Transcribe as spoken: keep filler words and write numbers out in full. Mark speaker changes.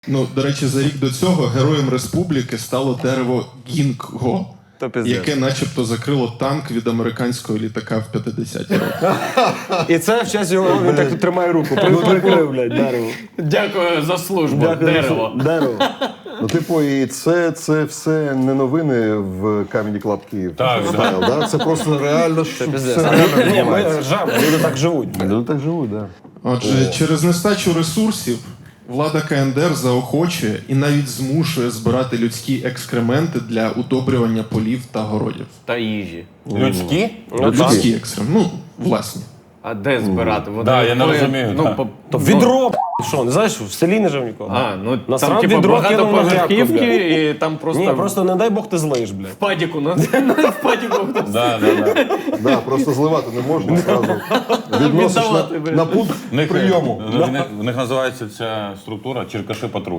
Speaker 1: Ну, до речі, за рік до цього героєм республіки стало дерево Гінго, яке начебто закрило танк від американського літака в п'ятдесяті роках.
Speaker 2: І це в честь його, він так тут тримає руку. Прикрив, блядь, дерево.
Speaker 3: Дякую за службу, дерево.
Speaker 2: Дерево.
Speaker 4: Ну, типу, і це, це все не новини в Comedy Club Київ.
Speaker 5: Так,
Speaker 4: Стайл, да? Це просто реально, що все реально
Speaker 2: Ні, ми
Speaker 4: відбувається.
Speaker 2: ржаємо, люди так живуть.
Speaker 4: Люди так живуть, так. Да.
Speaker 1: Отже, через нестачу ресурсів влада КНДР заохочує і навіть змушує збирати людські екскременти для удобрювання полів та городів.
Speaker 3: Та їжі.
Speaker 5: Людські?
Speaker 1: Людські екскременти, ну, власні.
Speaker 3: А де збирати? Вони
Speaker 5: Да, я не
Speaker 3: були,
Speaker 5: розумію,
Speaker 3: Ну,
Speaker 5: так.
Speaker 3: по,
Speaker 2: То відро, що, не знаєш, в селі не жив нікого.
Speaker 3: А, ну
Speaker 2: Насрав
Speaker 3: там типу
Speaker 2: відро, кинув на грядку,
Speaker 3: багатоповерхівки і там просто,
Speaker 2: Ні, просто не дай Бог ти злиш, блядь.
Speaker 3: в падіку, на, в падіку хтось.
Speaker 5: Да, да, да.
Speaker 4: Да, просто зливати не можна одразу. Відносиш
Speaker 3: Віддавати,
Speaker 4: на,
Speaker 3: блін.
Speaker 4: на пункт
Speaker 5: В них,
Speaker 4: прийому.
Speaker 5: в них- в них називається ця структура черкаши патруль.